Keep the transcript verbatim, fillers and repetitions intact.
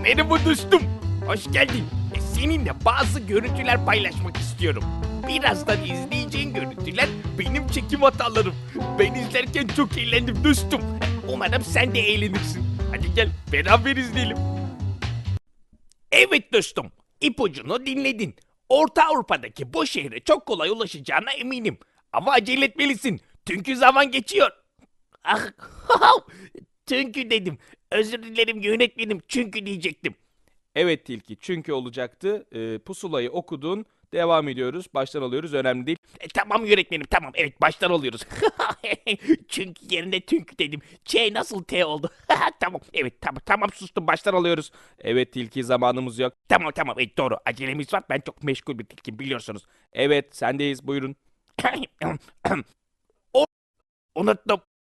Merhaba dostum. Hoş geldin. E, Seninle bazı görüntüler paylaşmak istiyorum. Birazdan izleyeceğin görüntüler benim çekim hatalarım. Ben izlerken çok eğlendim dostum. E, Umarım sen de eğlenirsin. Hadi gel beraber izleyelim. Evet dostum. İpucunu dinledin. Orta Avrupa'daki bu şehre çok kolay ulaşacağına eminim. Ama acele etmelisin. Çünkü zaman geçiyor. Ah, çünkü dedim. Özür dilerim yönetmenim çünkü diyecektim. Evet Tilki, çünkü olacaktı. Ee, pusulayı okudun. Devam ediyoruz. Baştan alıyoruz. Önemli değil. E, tamam yönetmenim tamam evet baştan alıyoruz. Çünkü yerine tünk dedim. Ç nasıl T oldu? Tamam evet tamam tamam sustum baştan alıyoruz. Evet Tilki, zamanımız yok. Tamam tamam evet doğru acelemiz var ben çok meşgul bir tilkim biliyorsunuz. Evet, sendeyiz. Buyurun. O unuttum.